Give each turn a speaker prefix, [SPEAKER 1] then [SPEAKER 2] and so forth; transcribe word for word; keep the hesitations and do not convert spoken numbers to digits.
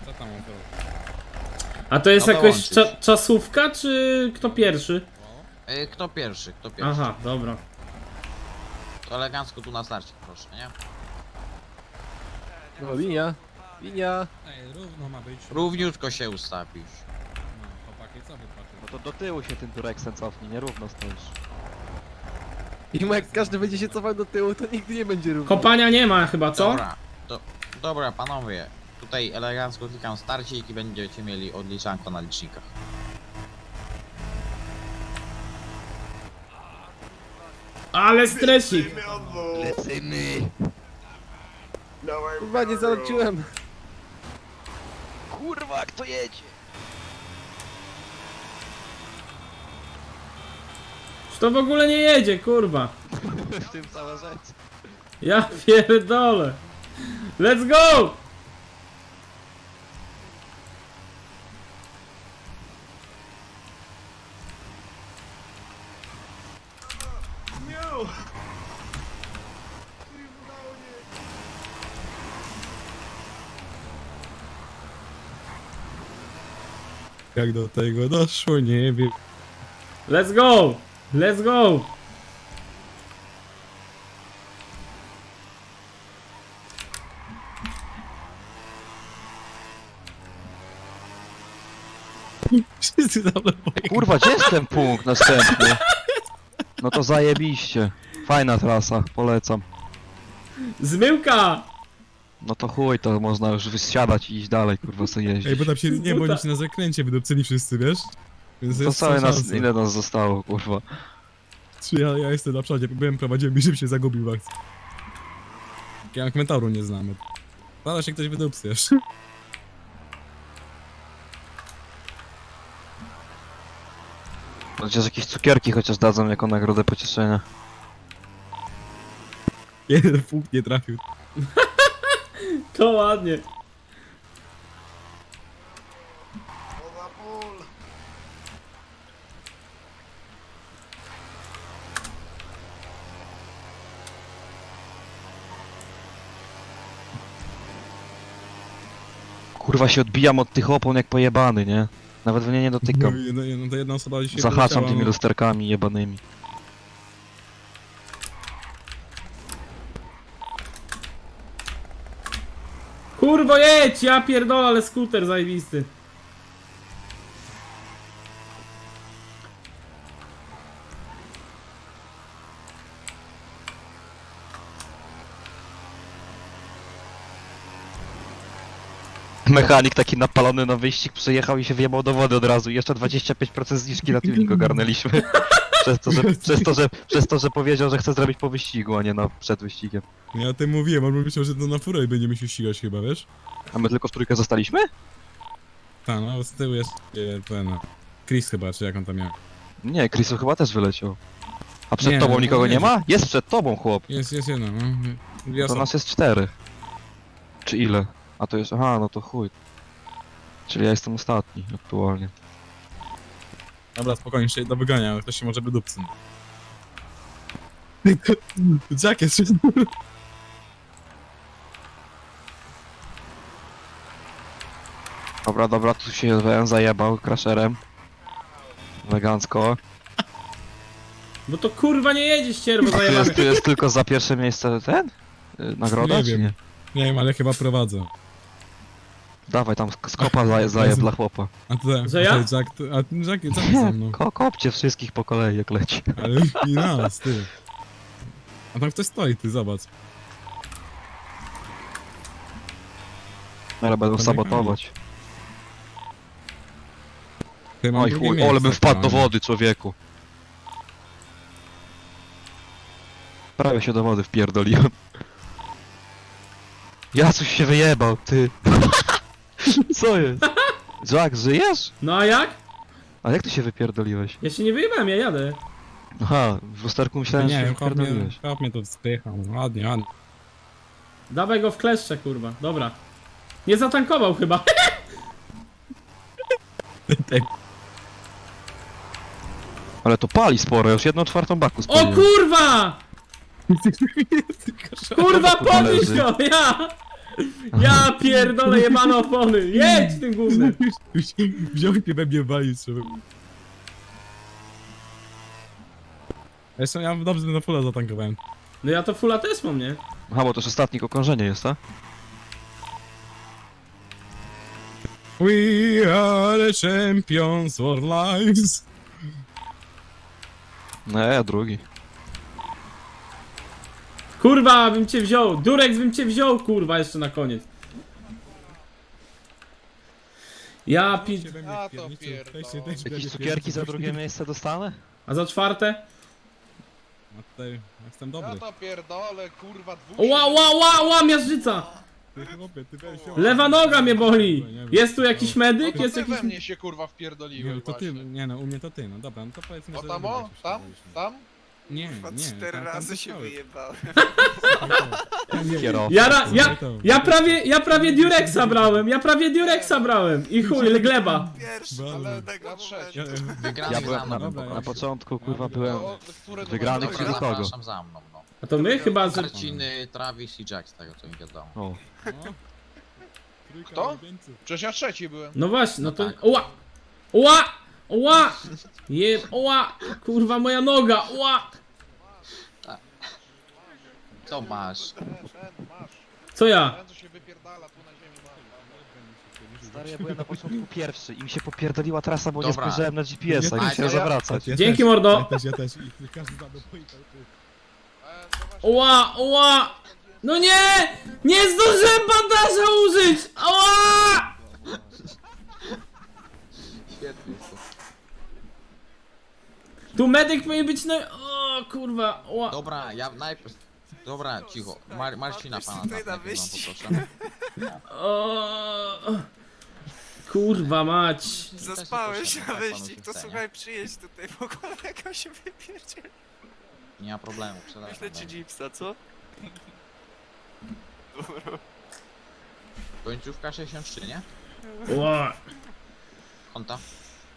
[SPEAKER 1] Co tam on zrobił?
[SPEAKER 2] A to jest
[SPEAKER 3] No
[SPEAKER 2] jakaś
[SPEAKER 3] dołączyć.
[SPEAKER 2] cza czasówka, czy kto pierwszy?
[SPEAKER 3] Yy, kto pierwszy, kto pierwszy?
[SPEAKER 2] Aha, dobra.
[SPEAKER 3] To elegancko tu na starcie, proszę, nie?
[SPEAKER 4] No, linia, linia.
[SPEAKER 1] Ej, równo ma być.
[SPEAKER 3] Równiutko się ustawisz.
[SPEAKER 1] No, chłopaki, co wy patrzycie?
[SPEAKER 4] No to do tyłu się tym Turexem cofnij, nierówno stoisz. I jak każdy będzie się cofał do tyłu, to nigdy nie będzie równo.
[SPEAKER 2] Kopania nie ma chyba, co?
[SPEAKER 3] Dobra, do, dobra panowie. Tutaj elegancko klikam starcik i będziecie mieli odliczanko na licznikach.
[SPEAKER 2] Ale stresik!
[SPEAKER 4] Lecimy! Kurwa, nie załączyłem. Kurwa, kto jedzie?
[SPEAKER 2] Czy to w ogóle nie jedzie, kurwa?
[SPEAKER 4] W tym cała rzecz.
[SPEAKER 2] Ja pierdolę. Let's go!
[SPEAKER 1] Jak do tego doszło, nie wiem.
[SPEAKER 2] Let's go! Let's go!
[SPEAKER 1] Wszyscy tam lepiej.
[SPEAKER 4] Kurwa, gdzie jest ten punkt następny? No to zajebiście. Fajna trasa, polecam.
[SPEAKER 2] Zmyłka!
[SPEAKER 4] No to chuj, to można już wysiadać i iść dalej, kurwa, sobie jeździć.
[SPEAKER 1] Ej, bo tam się, nie, bo oni się na zakręcie wydupcyli wszyscy, wiesz? Więc
[SPEAKER 4] To
[SPEAKER 1] jest
[SPEAKER 4] całe nas,
[SPEAKER 1] szansa.
[SPEAKER 4] ile nas zostało, kurwa.
[SPEAKER 1] Czy ja, ja jestem na przodzie, byłem prowadziłem i żeby się zagubił w akcji. Ja komentaru nie znamy. Zaraz się ktoś wydupcy jeszcze.
[SPEAKER 4] Chociaż jakieś cukierki chociaż dadzą jako nagrodę pocieszenia.
[SPEAKER 1] Jeden punkt nie trafił.
[SPEAKER 2] To ładnie.
[SPEAKER 4] Kurwa się odbijam od tych opon jak pojebany, nie? Nawet w nie nie
[SPEAKER 1] No,
[SPEAKER 4] dotykam.
[SPEAKER 1] jedno, jedno, to jedna osoba dzisiaj
[SPEAKER 4] Zahaczam
[SPEAKER 1] poleciała,
[SPEAKER 4] tymi
[SPEAKER 1] no.
[SPEAKER 4] lusterkami jebanymi.
[SPEAKER 2] Kurwo jedź, ja pierdolę, ale skuter zajebisty.
[SPEAKER 4] Mechanik taki napalony na wyścig przyjechał i się wjebał do wody od razu. I jeszcze dwadzieścia pięć procent zniżki na tuning ogarnęliśmy. Przez to, że, przez, to, że, przez to, że powiedział, że chce zrobić po wyścigu, a nie na, przed wyścigiem.
[SPEAKER 1] Ja o tym mówiłem, on myślał, że to na furę i będziemy się ścigać chyba, wiesz?
[SPEAKER 4] A my tylko w trójkę zostaliśmy?
[SPEAKER 1] Tak, no z tyłu jest e, ten... Chris chyba, czy jak on tam miał.
[SPEAKER 4] Nie, Chrisu chyba też wyleciał. A przed
[SPEAKER 1] Nie,
[SPEAKER 4] tobą
[SPEAKER 1] no,
[SPEAKER 4] nikogo
[SPEAKER 1] nie.
[SPEAKER 4] nie ma? Jest przed tobą, chłop.
[SPEAKER 1] Jest, jest jedno, no. Dwie
[SPEAKER 4] To
[SPEAKER 1] osoby.
[SPEAKER 4] nas jest cztery. Czy ile? A to jest... Aha, no to chuj. Czyli ja jestem ostatni aktualnie.
[SPEAKER 1] Dobra, spokojnie, jeszcze jedno wygania, ale ktoś się może wydupcy. Jack jest...
[SPEAKER 4] Dobra, dobra, tu się W zajebał crasherem. Elegancko.
[SPEAKER 2] Bo to kurwa nie jedzie ścierwo
[SPEAKER 4] Tu
[SPEAKER 2] zajebane.
[SPEAKER 4] jest, tu jest tylko za pierwsze miejsce ten? Y, Nagroda,
[SPEAKER 1] Nie
[SPEAKER 4] czy
[SPEAKER 1] wiem.
[SPEAKER 4] nie?
[SPEAKER 1] Nie wiem, ale chyba prowadzę.
[SPEAKER 4] Dawaj tam sk- skopa zaje, zajeb dla chłopa.
[SPEAKER 1] A ty,
[SPEAKER 2] Że ja?
[SPEAKER 1] a ty, Jack, ty, a ty, Jack, Jack ze mną.
[SPEAKER 4] Ko kopcie wszystkich po kolei jak leci.
[SPEAKER 1] Ale i nas, ty. A tam ktoś stoi, ty, zobacz.
[SPEAKER 4] Ale będą
[SPEAKER 1] To
[SPEAKER 4] sabotować.
[SPEAKER 1] Ty, mam
[SPEAKER 4] Oj
[SPEAKER 1] drugie
[SPEAKER 4] chuj,
[SPEAKER 1] miejsce,
[SPEAKER 4] ole bym wpadł do
[SPEAKER 1] panie.
[SPEAKER 4] wody, człowieku. Prawie się do wody wpierdoliłem. Ja coś się wyjebał, ty. Co jest? Jack, żyjesz?
[SPEAKER 2] No a jak?
[SPEAKER 4] A jak ty się wypierdoliłeś?
[SPEAKER 2] Ja się nie wyjebałem, ja jadę.
[SPEAKER 4] Aha, w lusterku myślałem, że
[SPEAKER 1] Nie
[SPEAKER 4] się
[SPEAKER 1] wiem, chłop mnie,
[SPEAKER 4] wypierdoliłeś.
[SPEAKER 1] chłop mnie tu spychał, ładnie, ładnie.
[SPEAKER 2] Dawaj go w kleszcze, kurwa. Dobra. Nie zatankował chyba.
[SPEAKER 4] Ale to pali sporo, już jedną czwartą baku
[SPEAKER 2] O
[SPEAKER 4] spaliłem.
[SPEAKER 2] kurwa! Kurwa,
[SPEAKER 4] Kurwa,
[SPEAKER 2] podnieś
[SPEAKER 4] leży.
[SPEAKER 2] go, ja! Ja pierdolę jebane opony! Jedź tym gównem!
[SPEAKER 1] Wziął i we mnie walić trzeba. Jeszcze ja dobrze na fulla zatankowałem.
[SPEAKER 2] No ja to fulla też mam, nie?
[SPEAKER 4] Aha, bo to już ostatnie okrążenie jest, tak?
[SPEAKER 1] We are the champions for lives.
[SPEAKER 4] No ja drugi.
[SPEAKER 2] Kurwa, bym cię wziął! Durex bym cię wziął, kurwa, jeszcze na koniec. Ja pi...
[SPEAKER 5] A to pierdolę.
[SPEAKER 4] Jakieś cukierki za drugie miejsce dostanę?
[SPEAKER 2] A za czwarte?
[SPEAKER 1] No tutaj ja jestem
[SPEAKER 5] Ja
[SPEAKER 1] dobry.
[SPEAKER 5] to pierdolę, kurwa, dwóch...
[SPEAKER 2] Ła, ła, ła, ła, miażdżyca!
[SPEAKER 1] Ty, chłopie, ty weź ją.
[SPEAKER 2] Lewa noga mnie boli!
[SPEAKER 1] Nie wiem.
[SPEAKER 2] Jest tu jakiś
[SPEAKER 5] No
[SPEAKER 2] medyk?
[SPEAKER 5] to
[SPEAKER 2] Jest
[SPEAKER 5] ty
[SPEAKER 2] jakiś...
[SPEAKER 5] we mnie się kurwa
[SPEAKER 1] Nie,
[SPEAKER 5] wpierdoliłeś
[SPEAKER 1] to ty,
[SPEAKER 5] właśnie.
[SPEAKER 1] nie no, u mnie to ty, no dobra, no to powiedzmy,
[SPEAKER 5] O
[SPEAKER 1] że...
[SPEAKER 5] tam o?
[SPEAKER 1] obydwaj się
[SPEAKER 5] Tam?
[SPEAKER 1] wpierdoliśmy.
[SPEAKER 5] Tam?
[SPEAKER 1] Nie,
[SPEAKER 6] Chyba
[SPEAKER 1] nie.
[SPEAKER 6] cztery
[SPEAKER 1] tam- tam
[SPEAKER 6] razy się
[SPEAKER 1] zostały.
[SPEAKER 6] wyjebałem.
[SPEAKER 1] Nie,
[SPEAKER 4] Kierowca.
[SPEAKER 2] Ja, ra, ja, ja prawie, ja prawie Durexa brałem, ja prawie Durexa brałem i chuj, gleba.
[SPEAKER 6] Pierwszy,
[SPEAKER 1] Bardzo.
[SPEAKER 6] ale
[SPEAKER 5] Na
[SPEAKER 6] tego
[SPEAKER 5] trzeci.
[SPEAKER 1] Ja,
[SPEAKER 6] momentu.
[SPEAKER 3] Wygrany
[SPEAKER 4] Ja
[SPEAKER 3] za
[SPEAKER 4] byłem na,
[SPEAKER 3] mną.
[SPEAKER 1] Dobra,
[SPEAKER 4] na
[SPEAKER 1] ja-
[SPEAKER 4] początku, kurwa, byłem...
[SPEAKER 5] O, które
[SPEAKER 4] Wygrany
[SPEAKER 5] numery?
[SPEAKER 4] wśród
[SPEAKER 3] Dobra,
[SPEAKER 4] kogo?
[SPEAKER 3] zapraszam za mną, no.
[SPEAKER 2] A to my chyba, że...
[SPEAKER 3] Marciny, Travis i Jack, z tego co mi wiadomo.
[SPEAKER 4] O,
[SPEAKER 1] no. Trójka
[SPEAKER 5] Kto?
[SPEAKER 1] ulubieńców.
[SPEAKER 5] Przecież ja trzeci byłem.
[SPEAKER 2] No właśnie, no to...
[SPEAKER 3] tak.
[SPEAKER 2] Oła! Oła! Oła! Je... Oła! Kurwa, moja noga! Oła!
[SPEAKER 3] Co masz?
[SPEAKER 5] Ten, ten, masz.
[SPEAKER 2] Co ja?
[SPEAKER 5] Ten, co się wypierdala tu na ziemi, masz.
[SPEAKER 4] stary, ja byłem na początku pierwszy i mi się popierdoliła trasa, bo nie
[SPEAKER 3] Dobra.
[SPEAKER 4] spojrzałem na G P S-a i
[SPEAKER 1] Nie,
[SPEAKER 4] musiałem
[SPEAKER 5] ja-
[SPEAKER 4] zawracać.
[SPEAKER 1] Ja
[SPEAKER 2] Dzięki,
[SPEAKER 1] też,
[SPEAKER 2] mordo.
[SPEAKER 1] Ja też, ja też. I każdy zadał po i tak.
[SPEAKER 5] E, to właśnie-
[SPEAKER 2] Oła! Oła! No nie! Nie zdążyłem bandaża użyć! Oła!
[SPEAKER 3] Świetnie to.
[SPEAKER 2] Tu medyk powinien być na... O kurwa! Oła!
[SPEAKER 3] Dobra, ja najpierw... Dobra, cicho. Mar Marcina pana
[SPEAKER 6] Tutaj
[SPEAKER 3] tam
[SPEAKER 6] na
[SPEAKER 3] najpierw wam
[SPEAKER 6] wyścig.
[SPEAKER 3] poproszę.
[SPEAKER 2] O, kurwa mać!
[SPEAKER 6] Zaspałeś
[SPEAKER 3] Jak
[SPEAKER 6] na
[SPEAKER 3] panu
[SPEAKER 6] wyścig,
[SPEAKER 3] się
[SPEAKER 6] to
[SPEAKER 3] chce, nie?
[SPEAKER 6] słuchaj, przyjedź tutaj w ogóle, jak on się wypierdziel.
[SPEAKER 3] Nie ma problemu,
[SPEAKER 6] Wyślę
[SPEAKER 3] przelewam.
[SPEAKER 6] ci Jeepsa, co? Dobra.
[SPEAKER 3] Końcówka sześćdziesiąt trzy, nie?
[SPEAKER 2] Oła!
[SPEAKER 3] Konta?